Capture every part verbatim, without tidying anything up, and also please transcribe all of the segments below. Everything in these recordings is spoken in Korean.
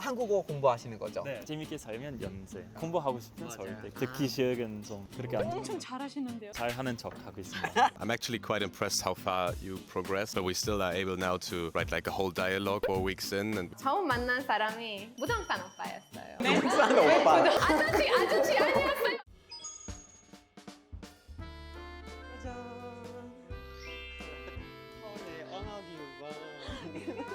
한국어 공부하시는 거죠? 네. 재밌게 살면 연세. 공부하고 싶은 맞아요. 서울대. 듣기 시작은 좀 그렇게 안 엄청 잘하시는데요. 잘하는 척 하고 있습니다. I'm actually quite impressed how far you progressed, but we still are able now to write like a whole dialogue four weeks in. And 처음 만난 사람이 부동산 오빠였어요. 부산 오빠. 아저씨, 아저씨 아니었어요. 서울의 언어교육원.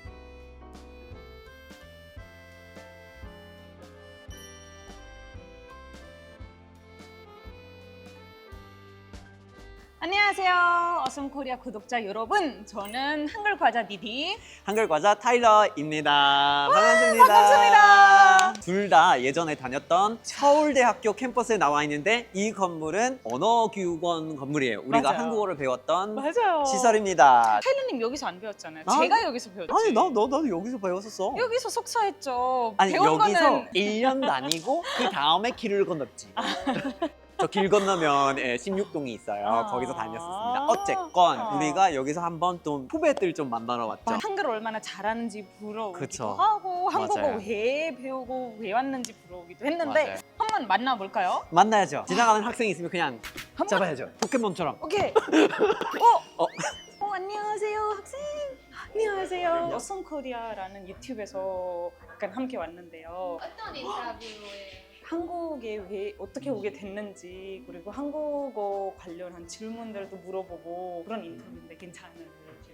안녕하세요. 어썸코리아 구독자 여러분. 저는 한글 과자 디디. 한글 과자 타일러입니다. 반갑습니다. 반갑습니다. 둘 다 예전에 다녔던 서울대학교 캠퍼스에 나와 있는데 이 건물은 언어교육원 건물이에요. 우리가 맞아요. 한국어를 배웠던 맞아요. 시설입니다. 타일러님 여기서 안 배웠잖아요. 아, 제가 여기서 배웠지. 아니 나, 너, 나도 여기서 배웠었어. 여기서 속사했죠. 아니 배운 여기서 거는 일 년 다니고 그 다음에 길을 건넜지. 저 길 건너면 예, 십육 동이 있어요. 아. 거기서 다녔었습니다. 어쨌건 아. 우리가 여기서 한번 또 후배들 좀 만나러 왔죠. 한글 얼마나 잘하는지 부러우기도 그쵸. 하고 한국어 맞아요. 왜 배우고 왜 왔는지 부러우기도 했는데 맞아요. 한번 만나볼까요? 만나야죠. 지나가는 학생이 있으면 그냥 한번 잡아야죠. 포켓몬처럼. 오케이. 어? 어. 어, 안녕하세요, 학생. 안녕하세요. 어썸코리아라는 유튜브에서 약간 함께 왔는데요. 어떤 인터뷰예요? 한국에 왜 어떻게 오게 됐는지 그리고 한국어 관련한 질문들도 물어보고 그런 인터뷰인데 괜찮을지.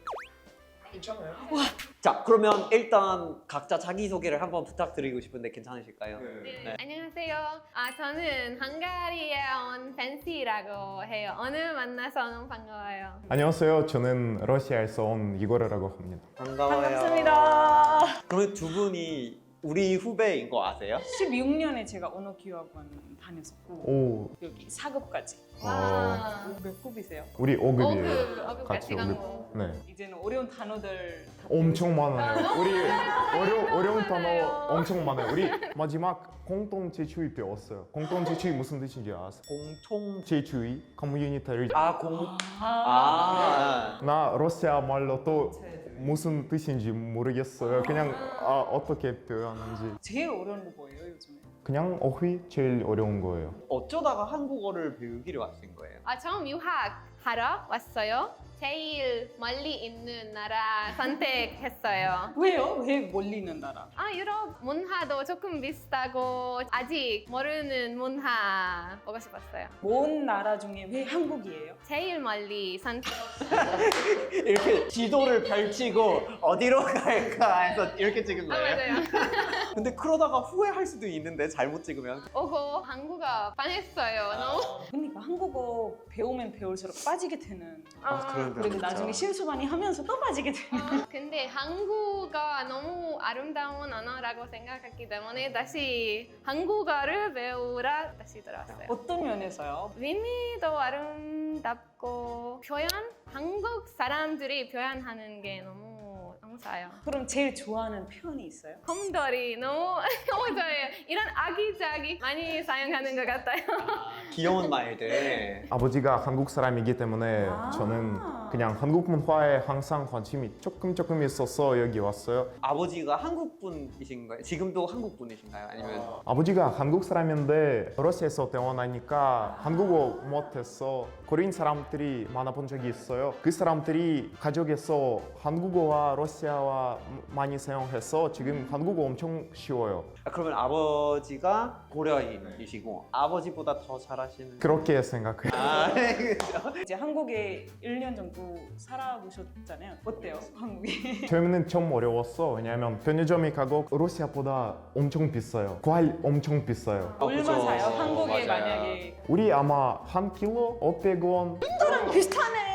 괜찮아요. 자, 그러면 일단 각자 자기 소개를 한번 부탁드리고 싶은데 괜찮으실까요? 네. 안녕하세요. 아, 저는 헝가리에 온 펜시라고 해요. 오늘 만나서 너무 반가워요. 안녕하세요. 저는 러시아에서 온 이고르라고 합니다. 반가워요. 반갑습니다. 그러면 두 분이 우리 후배인 거 아세요? 십육 년에 제가 언어교육원 다녔었고 오, 여기 사 급까지. 와. 몇 급이세요? 우리 오 급이에요. 오급, 오급 같이 같이 간 오 급. 거. 네. 이제는 어려운 단어들 다 엄청 많아요. 우리 어려, 어려운 단어 많아요. 엄청 많아요. 우리 마지막 공동체주의 배웠어요. 공동체주의 무슨 뜻인지 아세요? 공통 제주의 커뮤니티를 아, 공 아, 아. 나 러시아 말로 또 무슨 뜻인지 모르겠어요. 그냥 아, 어떻게 표현하는지. 제일 어려운 거 뭐예요 요즘에? 그냥 어휘 제일 어려운 거예요. 어쩌다가 한국어를 배우기로 하신 거예요? 아, 처음 유학하러 왔어요. 제일 멀리 있는 나라 선택했어요. 왜요? 왜 멀리 있는 나라? 아, 유럽 문화도 조금 비슷하고 아직 모르는 문화 보고 싶었어요. 먼 나라 중에 왜 한국이에요? 제일 멀리 선택. 이렇게 지도를 펼치고 어디로 갈까 해서 이렇게 찍은 아, 거예요? 맞아요. 근데 그러다가 후회할 수도 있는데 잘못 찍으면 오고 한국어 반했어요. 너무. 그러니까 한국어 배우면 배울수록 빠지게 되는. 아, 그런 거 그리고 진짜. 나중에 실수 많이 하면서 또 빠지게 되는. 아, 근데 한국어가 너무 아름다운 언어라고 생각했기 때문에 다시 한국어를 배우라 다시 들었어요. 어떤 면에서요? 의미도 아름답고 표현? 한국 사람들이 표현하는 게 너무 감사해요. 그럼 제일 좋아하는 표현이 있어요? 곰돌이 너무 너무 좋아해요. 이런 아기자기 많이 사용하는 것 같아요. 귀여운 말들. 아버지가 한국 사람이기 때문에 아. 저는 그냥 한국 문화에 항상 관심이 조금 조금 있어서 여기 왔어요. 아버지가 한국 분이신가요? 지금도 한국 분이신가요? 아니면 아버지가 한국 사람인데 러시아에서 태어나니까 한국어 못해서 코리안 사람들이 만나본 적이 있어요. 그 사람들이 가족에서 한국어와 러시아와 많이 사용해서 지금 한국어 엄청 쉬워요. 아, 그러면 아버지가 고려인이시고 아버지보다 더 잘하시는 그렇게 생각해요. 아, 그렇죠. 이제 한국에 일 년 정도 살아보셨잖아요. 어때요? 한국이? 처음에는 좀 어려웠어. 왜냐하면 편의점에 가고 러시아보다 엄청 비싸요. 과일 엄청 비싸요. 어, 얼마 그죠. 사요? 한국에 맞아요. 만약에 우리 아마 한 킬로 오백 원. 비슷하네.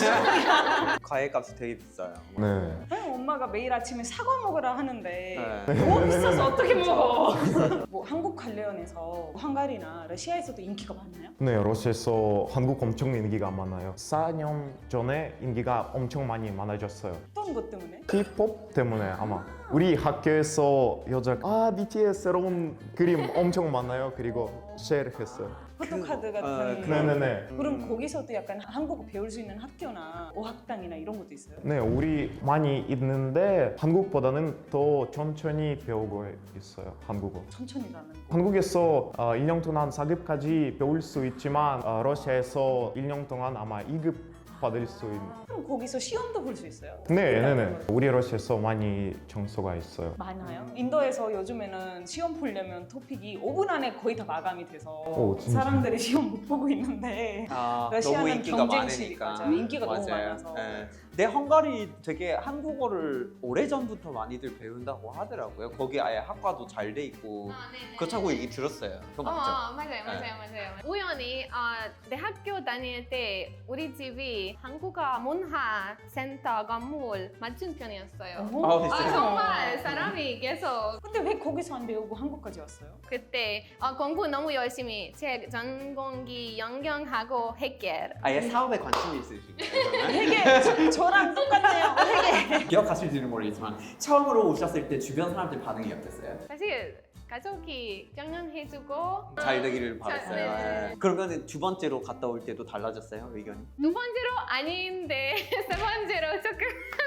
과일값이 되게 비싸요. 네. 엄마가 매일 아침에 사과 먹으라 하는데 네. 너무 비싸서 어떻게 먹어? 뭐 그리고 한국 관련해서 헝가리나 러시아에서도 인기가 많나요? 네, 러시아에서 한국 엄청 인기가 많아요. 사 년 전에 인기가 엄청 많이 많아졌어요. 어떤 것 때문에? K-팝 때문에 아마 우리 학교에서 여자 아 비티에스 새로운 그림 엄청 많아요. 그리고 쉐어했어요. 포토카드 같은 어, 그런- 네네네. 그럼 거기서도 약간 한국어 배울 수 있는 학교나 어학당이나 이런 것도 있어요? 네, 우리 많이 있는데 한국보다는 더 천천히 배우고 있어요. 한국어. 천천히라는 거. 한국에서 어, 일 년 동안 사 급까지 배울 수 있지만 어, 러시아에서 일 년 동안 아마 이 급 받을 수 있는. 그럼 거기서 시험도 볼 수 있어요? 네, 네, 네. 우리 러시아에서 많이 장소가 있어요. 많아요. 인도에서 요즘에는 시험 보려면 토픽이 오 분 안에 거의 다 마감이 돼서 오, 진짜? 사람들이 시험 못 보고 있는데 아, 러시아는 너무 인기가 경쟁실이 많으니까. 맞아요. 인기가 너무 맞아요. 많아서. 네. 내 헝가리 되게 한국어를 오래전부터 많이들 배운다고 하더라고요. 거기 아예 학과도 잘 돼 있고 아, 네네. 그렇다고 얘기 들었어요. 그거 어, 맞죠? 어, 맞아요, 맞아요, 맞아요. 우연히 어, 대학교 다닐 때 우리 집이 한국어 문화 센터 건물 맞은편이었어요. 어? 아, 아, 비슷해요. 정말 사람이 계속 근데 왜 거기서 안 배우고 한국까지 왔어요? 그때 어, 공부 너무 열심히 제 전공기 연경하고 핵계 아예 사업에 관심이 있으신 거예요? 되게 저, 저랑 똑같네요. 되게. 기억하실지는 모르겠지만 처음으로 오셨을 때 주변 사람들 반응이 어땠어요? 사실 가족이 격려해주고 잘 되기를 바랐어요. 네. 예. 그러면 두 번째로 갔다 올 때도 달라졌어요, 의견이? 두 번째로 아닌데 세 번째로 조금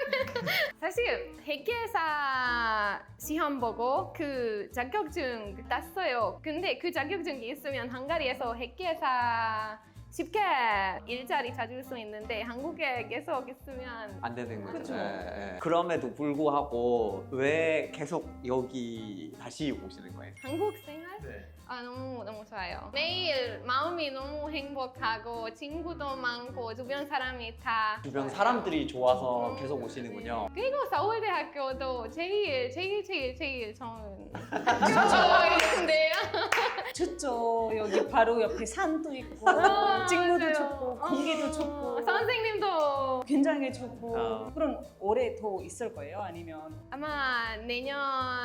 사실 회계사 시험 보고 그 자격증 땄어요. 근데 그 자격증이 있으면 헝가리에서 회계사 쉽게 일자리 찾을 수 있는데 한국에 계속 있으면 안 되는 거죠. 그쵸. 예, 예. 그럼에도 불구하고 왜 계속 여기 다시 오시는 거예요? 한국 생활 네. 아 너무 너무 좋아요. 매일 마음이 너무 행복하고 친구도 많고 주변 사람이 다 주변 사람들이 좋아서 계속 오시는군요. 그리고 서울대학교도 제일 제일 제일 제일 좋은 좋아했는데요. 좋죠. 여기 바로 옆에 산도 있고 아, 찍무도 맞아요. 좋고 공기도 어, 좋고 선생님도 굉장히 좋고 어. 그럼 올해 더 있을 거예요? 아니면 아마 내년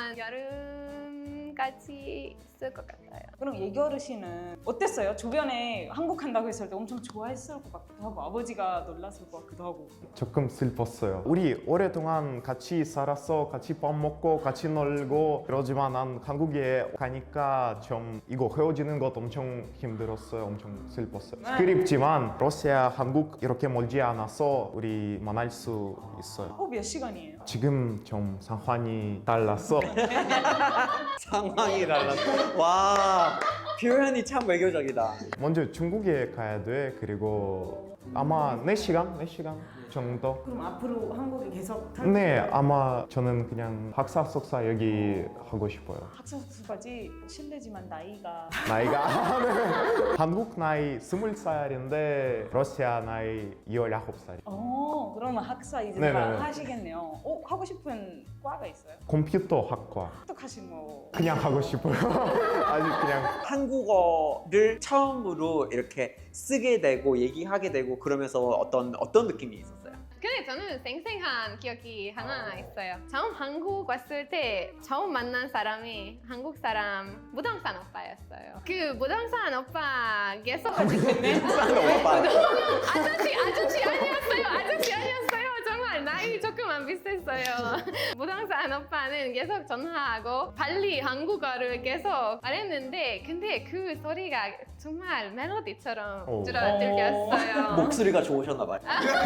여름까지 있을 것 같아요. 그럼 예기 어르신은 어땠어요? 주변에 한국 간다고 했을 때 엄청 좋아했을 것 같기도 하고 아버지가 놀랐을 것 같기도 하고 조금 슬펐어요. 우리 오랫동안 같이 살아서 같이 밥 먹고 같이 놀고 그러지만 난 한국에 가니까 좀 이거 헤어지는 것 엄청 힘들었어요. 엄청 슬펐어요. 네. 그립지만 러시아, 한국 이렇게 멀지 않아서 우리 만날 수 있어요. 어, 몇 시간이에요? 지금 좀 상황이 달라서 상황이 달랐어. 와, 표현이 참 외교적이다. 먼저 중국에 가야 돼. 그리고 아마 네 시간? 네 시간 정도? 그럼 앞으로 한국에 계속 살 네, 아마 저는 그냥 박사, 석사 여기 하고 싶어요. 학사수까지 실례지만 나이가 나이가 네. 한국 나이 스물 살인데 러시아 나이 열아홉 살. 어 그러면 학사 이제 네네네. 다 하시겠네요. 어 하고 싶은 과가 있어요? 컴퓨터 학과 똑똑하신 뭐 그냥 하고 싶어요. 아직 그냥 한국어를 처음으로 이렇게 쓰게 되고 얘기하게 되고 그러면서 어떤 어떤 느낌이 있었어요? 근데 저는 생생한 기억이 하나 있어요. 처음 한국 왔을 때 처음 만난 사람이 한국 사람 부동산 오빠였어요. 그 부동산 오빠 계속 오빠. 아저씨 아저씨 아니었어요. 아저씨 아니었어요. 정말 나이 조금 안 비슷했어요. 부동산 오빠는 계속 전화하고 빨리 한국어를 계속 말했는데 근데 그 소리가 정말 멜로디처럼 오. 들어 들렸어요. 목소리가 좋으셨나 봐요.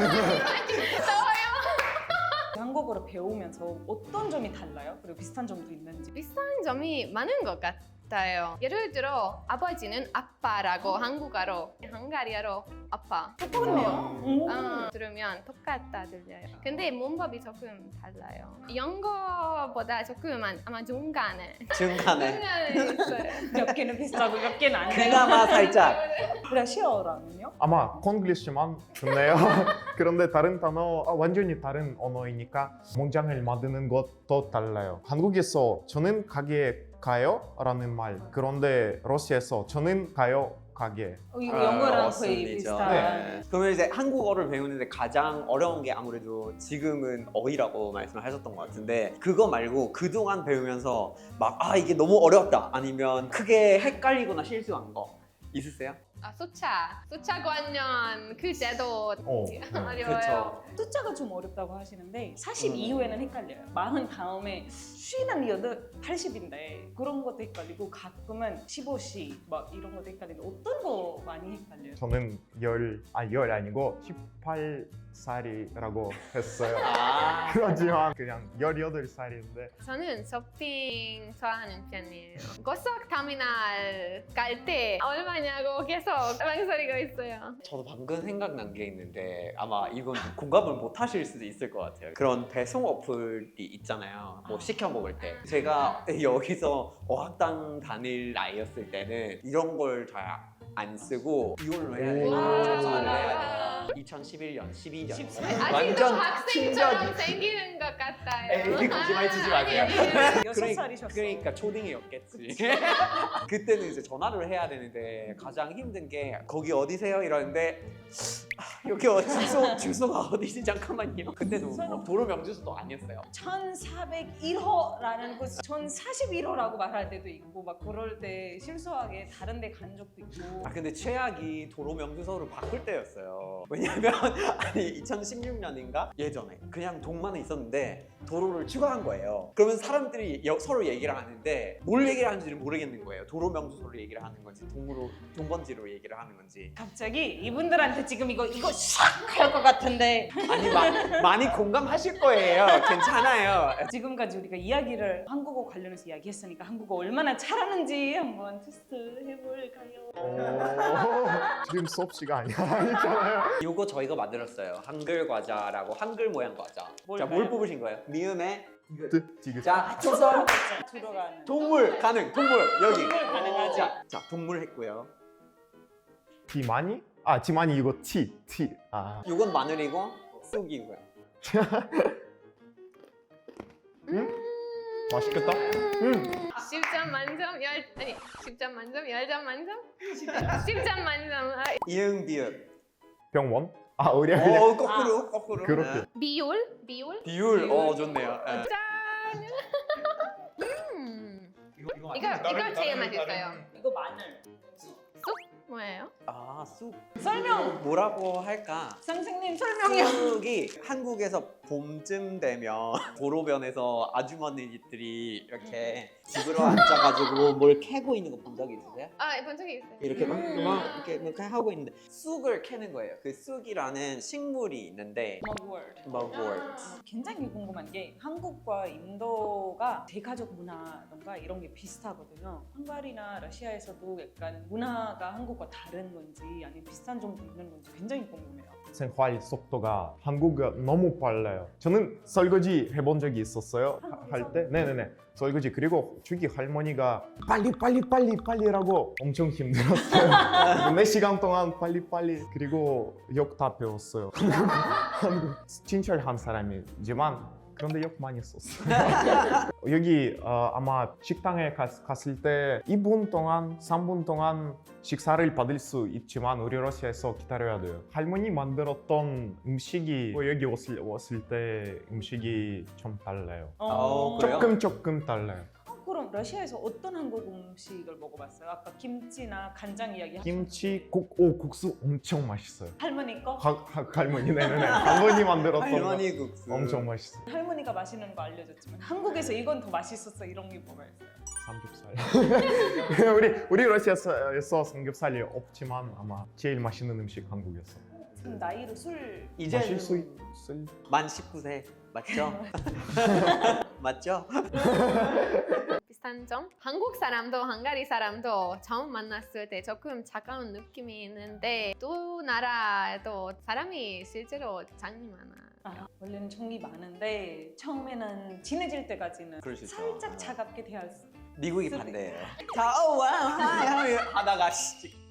한국어를 배우면서 어떤 점이 달라요? 그리고 비슷한 점도 있는지 비슷한 점이 많은 것 같아요. 예를 들어 아버지는 아빠라고 한국어로, 헝가리어로 아빠. 똑같네요. 오. 어, 들으면 똑같다 들려요. 근데 문법이 조금 달라요. 영어보다 조금 안- 아마 중간에 중간에 중간에 있어요. 몇 개는 비슷하고 몇 개는 안 돼요. 그나마 살짝. 러시아어라면요? 아마 콩글리시만 좋네요. 그런데 다른 단어 아, 완전히 다른 언어이니까 문장을 만드는 것도 달라요. 한국에서 저는 가게에 가요? 라는 말. 그런데 러시아에서 저는 가요? 가게. 어, 이거 아, 영어랑 어순이죠. 거의 비슷한. 네. 그러면 이제 한국어를 배우는데 가장 어려운 게 아무래도 지금은 어휘라고 말씀을 하셨던 것 같은데 그거 말고 그동안 배우면서 막 아 이게 너무 어려웠다 아니면 크게 헷갈리거나 실수한 거 있으세요? 아, 숫자, 숫자 관련 그 제도 어, 네. 어려워요. 그렇죠. 숫자가 좀 어렵다고 하시는데 사십 음. 이후에는 헷갈려요. 마흔 다음에 쉬는 여덟, 팔십인데 그런 것도 헷갈리고 가끔은 십오 시 막 이런 것도 헷갈리는데 어떤 거 많이 헷갈려요? 저는 열, 아니 열 아니고 십팔 살이라고 했어요. 아 그렇지만 그냥 열여덟 살인데 저는 쇼핑 좋아하는 편이에요. 고속터미널 갈 때 얼마냐고 계속 망설이고 있어요. 저도 방금 생각난 게 있는데 아마 이건 공감을 못 하실 수도 있을 것 같아요. 그런 배송 어플이 있잖아요. 뭐 시켜 먹을 때 제가 여기서 어학당 다닐 나이였을 때는 이런 걸 잘 안 쓰고 이걸로 해야 돼요. 오. 전화를 해야 돼요. 이천십일 년, 십이 년 아직도 학생처럼 생기는 것 같아요. 에이 거짓말 치지 마세요. 아니, 아니, 아니. 여섯 그러니- 살이셨어. 그러니까 초딩이었겠지. 그때는 이제 전화를 해야 되는데 가장 힘든 게 거기 어디세요? 이러는데 아, 여기 어, 주소 주소가 어디지 잠깐만요. 그때도 뭐 도로 명주소도 아니었어요. 천사백일 호라는 곳 천사십일 호라고 말할 때도 있고 막 그럴 때 실수하게 다른 데 간 적도 있고 아 근데 최악이 도로 명주소를 바꿀 때였어요. 왜냐면 아니 이천십육 년인가 예전에 그냥 동만에 있었는데 도로를 추가한 거예요. 그러면 사람들이 여- 서로 얘기를 하는데 뭘 얘기를 하는지를 모르겠는 거예요. 도로 명주소를 얘기를 하는 건지 동으로 동번지로 얘기를 하는 건지. 갑자기 이분들한테 지금 이거 이거 샥 할 것 같은데 아니 마, 많이 공감하실 거예요. 괜찮아요. 지금까지 우리가 이야기를 한국어 관련해서 이야기했으니까 한국어 얼마나 잘하는지 한번 테스트 해볼까요? 오, 지금 수업 시간이 아니잖아요. 이거 저희가 만들었어요. 한글 과자라고 한글 모양 과자. 자, 뭘 뭘까요? 뽑으신 거예요? 미음에 뜻, 지금. 자 초성 들어가는 동물 가능 동물 여기. 동물 가능하지. 자, 자 동물 했고요. 지만이? 아, 지만이 이거 티, 티. 아, 이건 마늘이고 쑥이고요. 맛있겠다. 음. 십 점 만점 열 아니 십 점 만점 열 점 만점 십 점 만점 아, 이응 비읍. 병원? 아, 우리 그냥 어 거꾸로 거꾸로. 그렇게. 네. 비율 비율 비율 어 좋네요. 네. 짠. 음. 이거 이거 제일 맛있어요. 이거 마늘 뭐예요? 아 쑥. 설명 뭐라고 할까? 선생님 설명이요. 쑥이 한국에서 봄쯤 되면 도로변에서 아주머니들이 이렇게 집으로 앉아가지고 뭘 캐고 있는 거 본 적 있으세요? 아, 본 적이 있어요. 이렇게 막, 음. 막 이렇게, 이렇게 하고 있는데 쑥을 캐는 거예요. 그 쑥이라는 식물이 있는데 머그월드. mugwort. 굉장히 궁금한 게 한국과 인도가 대가족 문화던가 이런 게 비슷하거든요. 헝가리나 러시아에서도 약간 문화가 한국과 다른 건지 아니면 비슷한 점도 있는 건지 굉장히 궁금해요. 생활 속도가 한국가 너무 빨라요. 저는 설거지 해본 적이 있었어요. 할 때. 네네네. 설거지 그리고 주기 할머니가 빨리 빨리 빨리 빨리라고 엄청 힘들었어요. 네 시간 동안 빨리 빨리 그리고 욕 다 배웠어요. 한국 친절한 사람이지만 그런데 욕 많이 썼어요. 여기 어, 아마 식당에 갔, 갔을 때 이 분 동안, 삼 분 동안 식사를 받을 수 있지만 우리 러시아에서 기다려야 돼요. 할머니 만들었던 음식이 뭐 여기 왔을, 왔을 때 음식이 좀 달라요. 어, 그래요? 조금 조금 달라요. 어, 그럼 러시아에서 어떤 한국 음식을 먹어봤어요? 아까 김치나 간장 이야기 하셨는데 김치, 국, 오 국수 엄청 맛있어요. 할머니 거? 하, 하, 할머니, 네네네. 할머니 만들었던 할머니 국수. 거 엄청 맛있어요. 할머니가 맛있는 거 알려줬지만 한국에서 이건 더 맛있었어 이런 게 뭐가 있어요? 삼겹살. 우리 우리 러시아에서 삼겹살이 없지만 아마 제일 맛있는 음식 한국에서. 지금 나이로 술 이제 마실 수 있을. 만 십구 세 맞죠? 맞죠? 비슷한 점? 한국 사람도 헝가리 사람도 처음 만났을 때 조금 차가운 느낌이 있는데 또 나라에도 사람이 실제로 장이 많아. 아, 원래는 정이 많은데 처음에는 친해질 때까지는 그럴 수 있죠. 살짝 차갑게 대할 수 미국이 수도 반대예요. 자, 어, 와, 하이, 하이 하다가 씨,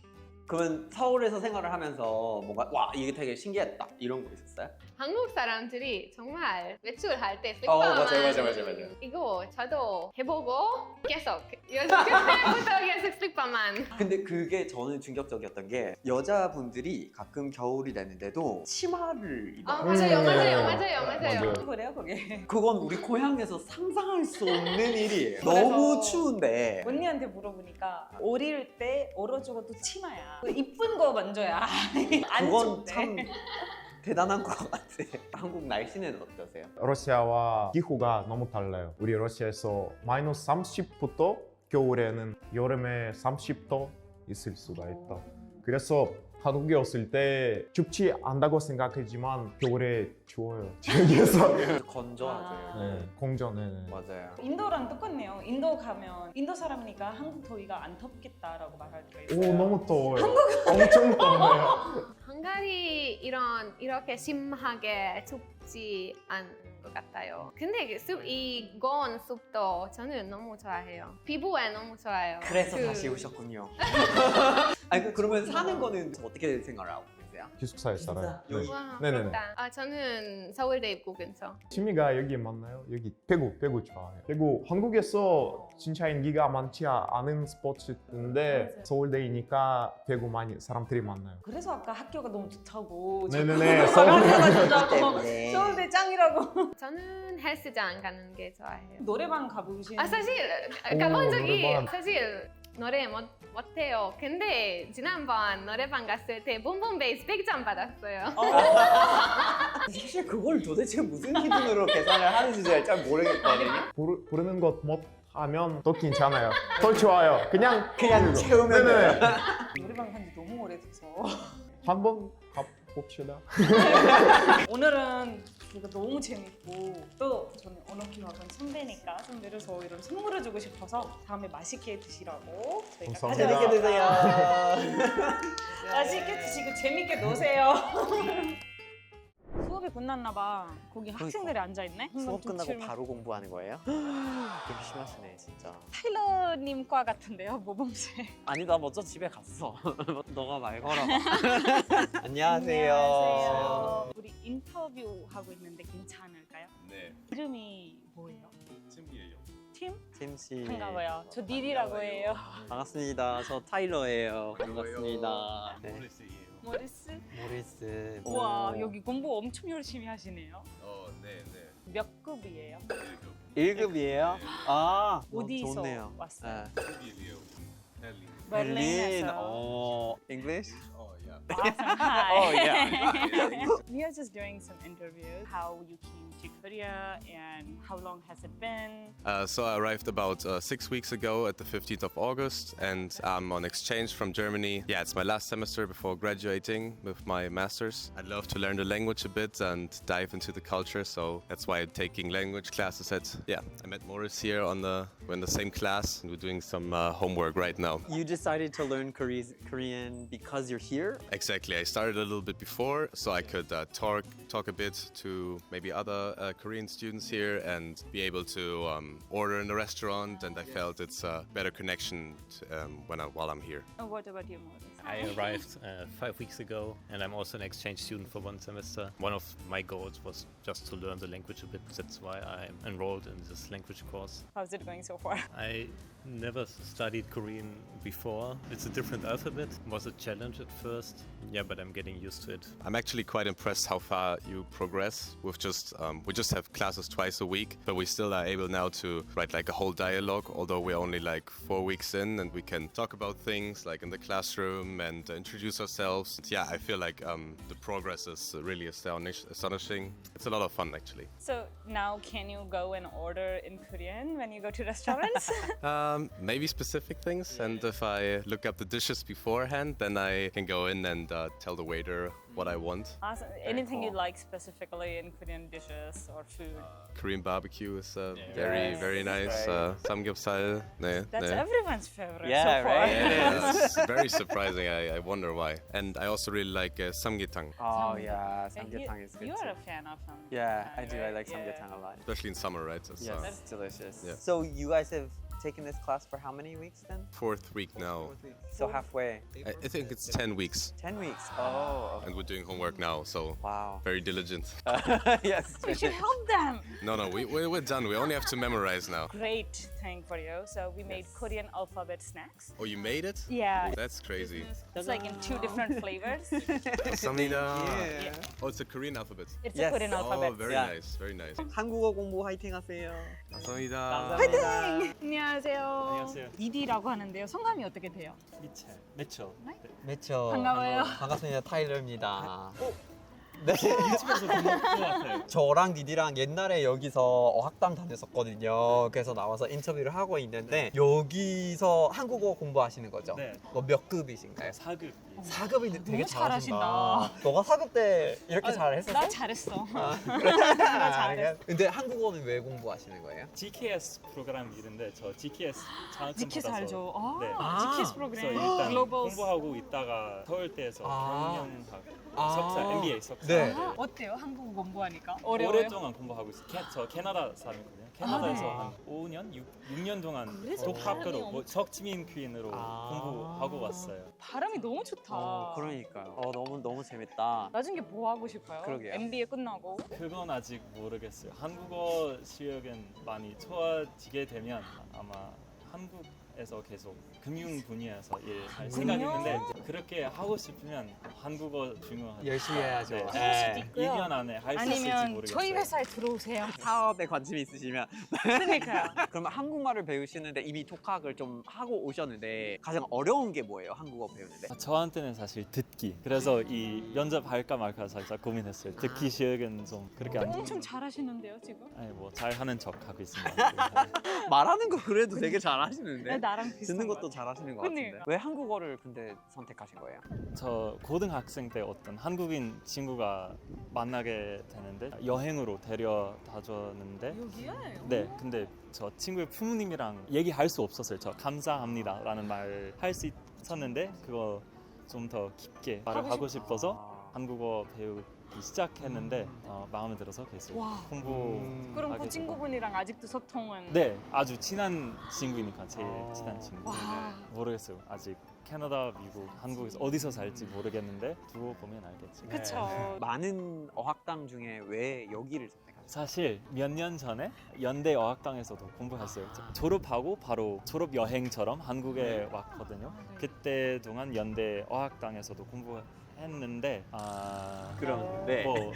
그러면 서울에서 생활을 하면서 뭔가 와 이게 되게 신기했다 이런 거 있었어요? 한국 사람들이 정말 외출할 때 어, 슬퍼만 맞아요, 맞아요, 맞아요, 맞아요. 이거 저도 해보고 계속 그때부터 계속 슬퍼만. 근데 그게 저는 충격적이었던 게 여자분들이 가끔 겨울이 되는데도 치마를 입어요. 아 맞아요, 음, 맞아요, 네. 맞아요, 맞아요. 맞아요. 그래요 그게. 그건 우리 고향에서 상상할 수 없는 일이에요. 그래서 너무 추운데. 언니한테 물어보니까 어릴 때 얼어 죽어도 치마야. 이쁜 거 만져야 안 그건 춥대. 참 대단한 것 같아. 한국 날씨는 어떠세요? 러시아와 기후가 너무 달라요. 우리 러시아에서 마이너스 삼십부터 겨울에는 여름에 삼십 도 있을 수가 있다. 그래서 한국에 왔을 때 춥지 않다고 생각하지만 겨울에 추워요. 여기에서 건조하죠. 네, 공전에 맞아요. 인도랑 똑같네요. 인도 가면 인도 사람이니까 한국 더위가 안 덥겠다라고 말할 때가 있어요. 오 너무 더워요. 엄청 더워요. 한가리 이런 이렇게 심하게 춥지 않은 것 같아요. 근데 그 숲, 이건 숲도 저는 너무 좋아해요. 피부에 너무 좋아요. 그래서 그- 다시 오셨군요. 아니 그- 그러면 사는 거는 어떻게 생각을 하고 계세요? 기숙사에 살아요. 네. 와, 네네네. 부럽다. 아 저는 서울대 입구 근처. 취미가 여기 맞나요? 여기 배구, 배구 좋아해요. 배구 한국에서 진짜 인기가 많지 않은 스포츠인데 맞아요. 서울대이니까 배구 많이 사람들이 많아요. 그래서 아까 학교가 너무 좋다고. 네네네. 학교가 서울대. 좋다고. 때문에. 서울대 짱이라고. 저는 헬스장 가는 게 좋아해요. 노래방 가보신. 아 사실 오, 가본 적이 노래방. 사실 노래 못, 못해요. 근데 지난번 노래방 갔을 때 봄봄 베이스 백 점 받았어요. 사실 그걸 도대체 무슨 기준으로 계산을 하는지 잘 모르겠거든요. 부르, 부르는 것 못하면 더 괜찮아요. 더 좋아요. 그냥 그냥 채우면 네네. 돼요. 노래방 간지 너무 오래돼서. 한번 가봅시다. 오늘은 이거 너무 재밌고 또 저는 언어키학원 선배니까 선배로서 이런 선물을 주고 싶어서 다음에 맛있게 드시라고 저희가 감사합니다. 재밌게 가져왔어요. 드세요. 맛있게 드시고 재밌게 노세요. 수업이 끝났나 봐. 거기 학생들이 앉아 있네. 수업 끝나고 바로 공부하는 거예요? 열심히 하시네 진짜. 타일러님 과 같은데요, 모범생. 아니다 먼저 집에 갔어. 너가 말 걸어. 안녕하세요. 안녕하세요. 우리 인터뷰 하고 있는데 괜찮을까요? 네. 이름이 뭐예요? 팀이에요. 팀? 팀 씨. 반가워요. 저 닐이라고 해요. 반갑습니다. 저 타일러예요. 반갑습니다. 네. 모리스? 모리스. 우와, 여기 공부 엄청 열심히 하시네요. 어, 네, 네. 몇 급이에요? 일 급이에요? 아, 너무 어디서 좋네요. 왔어요? 네. 베를린. 베를린. 베를린에서. 어, English? Oh, yeah. Awesome. Hi. Oh, yeah. We are just doing some interviews. How you came to Korea and how long has it been? Uh, so I arrived about uh, six weeks ago at the fifteenth of August, and I'm on exchange from Germany. Yeah, it's my last semester before graduating with my master's. I'd love to learn the language a bit and dive into the culture, so that's why I'm taking language classes at. Yeah, I met Morris here on the we're in the same class, and we're doing some uh, homework right now. You decided to learn Kore- Korean because you're here? Exactly. I started a little bit before, so I could uh, talk talk a bit to maybe other uh, Korean students here and be able to um, order in the restaurant. And I felt it's a better connection t- um, when I, while I'm here. And what about you, Morris? I arrived uh, five weeks ago, and I'm also an exchange student for one semester. One of my goals was just to learn the language a bit. That's why I'm enrolled in this language course. How's it going so far? I never studied Korean before. It's a different alphabet. It was a challenge at first. Yeah, but I'm getting used to it. I'm actually quite impressed how far you progress. With just um, we just have classes twice a week, but we still are able now to write like a whole dialogue. Although we're only like four weeks in, and we can talk about things like in the classroom and uh, introduce ourselves. Yeah, I feel like um, the progress is really astonish- astonishing. It's a lot of fun actually. So now can you go and order in Korean when you go to restaurants? Um, maybe specific things, and if I look up the dishes beforehand, then I can go in and uh, tell the waiter what I want. Awesome. Anything you cool. like specifically in Korean dishes or food? Korean barbecue is uh, very, Yes. very nice. Right. Uh, samgyeopsal, ne, That's ne. everyone's favorite Yeah, so far. right? Yeah, it's very surprising. I, I wonder why. And I also really like uh, samgyetang, Oh yeah, And you, samgyetang is good you too. are a fan of samgyetang. Yeah, I do. I right? like Yeah. samgyetang a lot. especially in summer, right? It's, Yes, uh, it's delicious. Yeah. So you guys have taking this class for how many weeks then? Fourth week now. So halfway. I, I think it's ten weeks, ten weeks. Oh. and we're doing homework now, so Wow. very diligent. yes. We should help them. No, no, we, we, we're done. We only have to memorize now. Great thing for you. So we made Korean alphabet snacks. Oh, you made it? Yeah, That's crazy. it's like in two different flavors. 감사합니다. Yeah. Oh, it's a Korean alphabet. It's Yes. a Korean Oh, alphabet. very Yeah. nice, very nice. 한국어 공부 화이팅 하세요. 감사합니다. 감사합니다. 안녕하세요. 안녕하세요. 이디라고 하는데요. 성함이 어떻게 돼요? 미첼, 매초. 매초. 반가워요. 반갑습니다. 타일러입니다. 네. 유튜브에서 본것 같아요. 저랑 디디랑 옛날에 여기서 어학당 다녔었거든요. 그래서 나와서 인터뷰를 하고 있는데 여기서 한국어 공부하시는 거죠? 네. 뭐 몇 급이신가요? 사급. 사 급이 되게 너무 잘하신다. 잘하신다. 너가 사 급 때 이렇게 아, 잘했었어? 나 잘했어. 아, 나 잘했어. 근데 한국어는 왜 공부하시는 거예요? 지케이에스 프로그램 이런데 저 지케이에스 자격증 지키스 받아서 알죠? 아, 네. 아, 지키스 그래서 프로그램. 일단 글로벌. 공부하고 있다가 서울대에서 아. 경영학 아. 석사, 엠비에이 석사. 네. 아, 어때요? 한국어 공부하니까? 어려워요? 오랫동안 공부하고 있어요. 캐, 저 캐나다 사람이거든요. 캐나다에서 네. 한 오 년, 육, 년 동안 그래서 독학으로 발음이 뭐 석지민 퀸으로 아. 공부하고 왔어요. 발음이 너무 좋다. 어, 그러니까요. 어, 너무 너무 재밌다. 나중에 뭐 하고 싶어요? 그러게요. 엠비에이 끝나고. 그건 아직 모르겠어요. 한국어 실력은 많이 좋아지게 되면 아마 한국에서 계속 금융 분야에서 일할 생각이 있는데 그렇게 하고 싶으면 한국어 중요하죠. 열심히 해야죠. 네. 네. 이 년 안에 할 수 있을지 아니면 모르겠어요. 저희 회사에 들어오세요. 사업에 관심이 있으시면 그러니까요. 그러면 한국말을 배우시는데 이미 독학을 좀 하고 오셨는데 가장 어려운 게 뭐예요? 한국어 배우는데? 아, 저한테는 사실 듣기. 그래서 이 면접 할까 말까 살짝 고민했어요. 듣기 실력은 좀 그렇게 안 엄청 잘하시는데요, 지금? 아니 뭐 잘하는 척 하고 있습니다. 말하는 거 그래도 되게 잘하시는데 네, 나랑 비슷한 듣는 것 것도 같아요. 잘하시는 것 같은데 그러니까. 왜 한국어를 근데 선택하신 거예요? 저 고등학생 때 어떤 한국인 친구가 만나게 되는데 여행으로 데려다 줬는데 여기에? 네, 근데 저 친구의 부모님이랑 얘기할 수 없었어요. 저 감사합니다라는 말 할 수 있었는데 그거 좀 더 깊게 말을 하고 하고 싶어서 아. 한국어 배우기 시작했는데 어, 마음에 들어서 계속 와. 공부. 음. 그럼 하게 그 되고. 친구분이랑 아직도 소통은? 네, 아주 친한 친구니까 제일 아. 친한 친구. 와. 모르겠어요. 아직 캐나다, 미국, 한국에서 어디서 살지 모르겠는데 두고 보면 알겠지. 그쵸. 많은 어학당 중에 왜 여기를 선택하셨어요? 사실 몇 년 전에 연대 어학당에서도 공부했어요. 저- 졸업하고 바로 졸업 여행처럼 한국에 왔거든요. 그때 동안 연대 어학당에서도 공부했는데 아 그럼 네. 뭐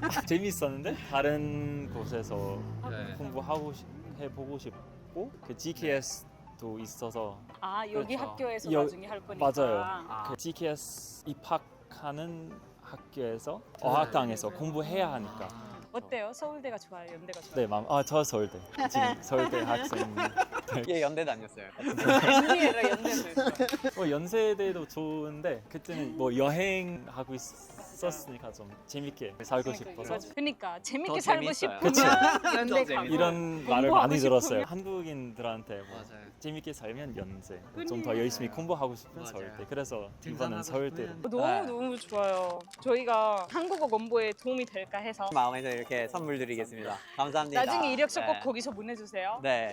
재밌었는데 다른 곳에서 네. 공부하고 싶- 해보고 싶고 그 지케이에스도 있어서 아, 여기 그렇죠. 학교에서 여- 나중에 할 거니까. 맞아요. 아. 그 지케이에스 입학하는 학교에서 어학당에서 공부해야 하니까 어때요? 서울대가 좋아요? 연대가 좋아요? 네, 맘. 아, 저 서울대. 지금 서울대 학생. 예, 연대 다녔어요. 엠비에이랑 연대도 있어요. 뭐 연세대도 좋은데 그때는 뭐 여행하고 있었으니까 좀 재밌게 살고 싶어서 맞아. 그러니까 더 재밌게 살고 재밌어요. 싶으면 연대 더 가고. 이런 말을 공부하고 많이 들었어요. 싶으면? 한국인들한테 뭐 맞아요. 재밌게 살면 연세, 좀 그러니까. 더 열심히 공부하고 싶은 맞아요. 서울대. 그래서 등산하고 이번은 서울대로. 싶으면- 너무 네. 너무 좋아요. 저희가 한국어 공부에 도움이 될까 해서 마음에서 이렇게 선물 드리겠습니다. 감사합니다. 나중에 이력서 꼭 네. 거기서 보내주세요. 네.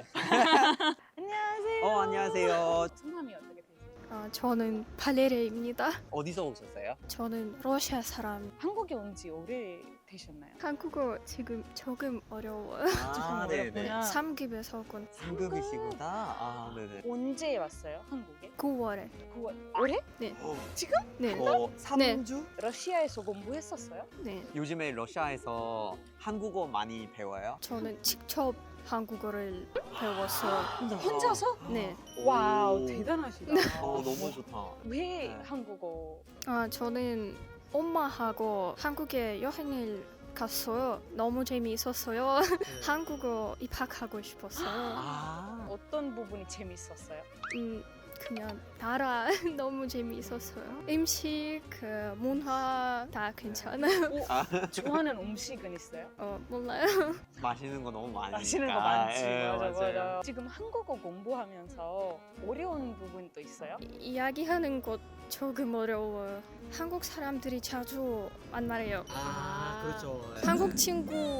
안녕하세요. 어, 안녕하세요. 성함이 어떻게 되세요? 어, 저는 발레리입니다. 어디서 오셨어요? 저는 러시아 사람. 한국에 온 지 오래 되셨나요? 한국어 지금 조금 어려워요. 아, 어렵구나. 삼 급에서 군 삼 급이시구나. 아, 네네. 언제 왔어요? 한국에? 구월에. 구월 올해? 네. 지금? 네. 어, 삼 주? 러시아에서 공부했었어요? 네. 요즘에 러시아에서 한국어 많이 배워요? 저는 직접 한국어를 배웠어요. 혼자서? 네. 와우 오. 대단하시다. 어, 너무 좋다. 왜 네. 한국어? 아, 저는 엄마하고 한국에 여행을 갔어요. 너무 재미있었어요. 한국어 입학하고 싶었어요. 아, 어떤 부분이 재밌었어요? 음, 그냥 나라 너무 재미있었어요. 음식, 그 문화 다 괜찮아요. 좋아하는 음식은 있어요? 어, 몰라요. 맛있는 거 너무 많으니까. 맛있는 거 많지. 예, 맞아, 맞아요. 맞아. 지금 한국어 공부하면서 어려운 부분도 있어요? 이- 이야기하는 것 조금 어려워요. 한국 사람들이 자주 만나요. 아, 그렇죠. 한국 친구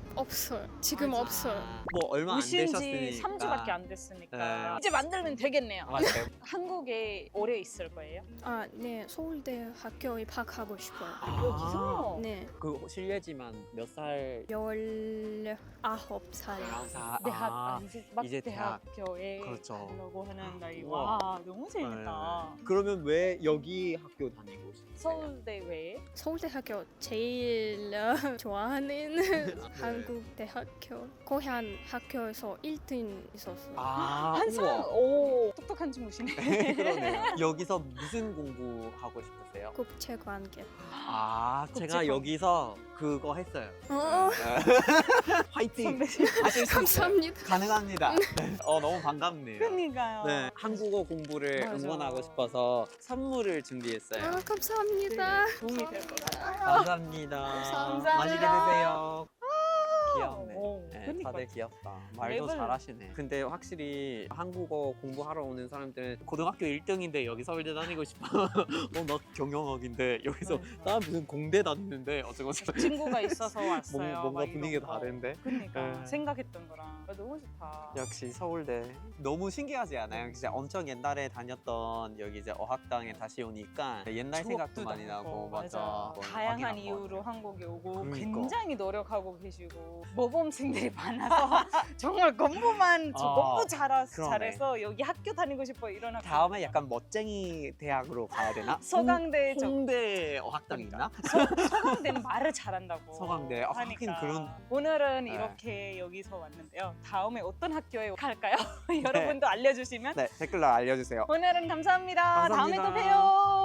없어요. 지금 맞아. 없어요. 뭐 얼마 안 오신 지 되셨으니까. 삼 주밖에 안 됐으니까 네. 이제 만들면 되겠네요. 맞아요. 한국에 오래 있을 거예요? 아, 네. 서울대 학교에 입학하고 싶어요. 여기서? 네. 그 실례지만 몇 살? 열아홉 살. 아, 대학 아, 아, 이제 막 이제 대학. 대학교에 그렇죠. 가려고 하는 나이. 우와. 와 너무 재밌다. 네. 그러면 왜 여기 학교 다니고 싶으세요? 서울대 외에? 서울대 학교 제일 어, 좋아하는 한국 대학교. 고향 학교에서 일 등 있었어요. 아, 한상 우와. 오 똑똑한 친구시네. 그러네요. 여기서 무슨 공부하고 싶으세요? 국제관계. 아, 제가 국제관- 여기서 그거 했어요. 어, 화이팅! 선배님. 하실 수 있어요. 감사합니다. 가능합니다. 네. 어, 너무 반갑네요. 그러니까요. 네, 한국어 공부를 맞아. 응원하고 싶어서 선물을 준비했어요. 아, 감사합니다. 도움이 될 것 같아요. 감사합니다. 감사합니다. 맛있게 드세요. 귀엽네. 오, 네, 그러니까. 다들 귀엽다. 말도 랩을- 잘하시네. 근데 확실히 한국어 공부하러 오는 사람들은 고등학교 일 등인데 여기 서울대 다니고 싶어. 어, 나 경영학인데 여기서 나 무슨 공대 다니는데 어쩌고 저쩌고. 친구가 있어서 왔어요. 뭔가, 뭔가 막 이런 분위기가 거. 다른데. 그러니까 네. 생각했던 거랑 아, 너무 좋다. 역시 서울대 너무 신기하지 않아요? 진짜 엄청 옛날에 다녔던 여기 이제 어학당에 다시 오니까 옛날 생각도 추억도 많이 나고 맞아. 뭐 다양한 확인한 것 이유로 같아요. 한국에 오고 그러니까. 굉장히 노력하고 계시고 모범생들이 많아서 정말 공부만 저 아, 공부 잘하, 그러네. 잘해서 여기 학교 다니고 싶어 이런 학교. 다음에 약간 멋쟁이 대학으로 가야 되나? 서강대 저 홍대 어학당 있나? 서강대는 말을 잘한다고. 서강대. 아, 하긴 하니까. 그런- 오늘은 네. 이렇게 여기서 왔는데요. 다음에 어떤 학교에 갈까요? 여러분도 알려주시면. 네, 댓글로 알려주세요. 오늘은 감사합니다. 다음에 또 감사합니다. 봬요.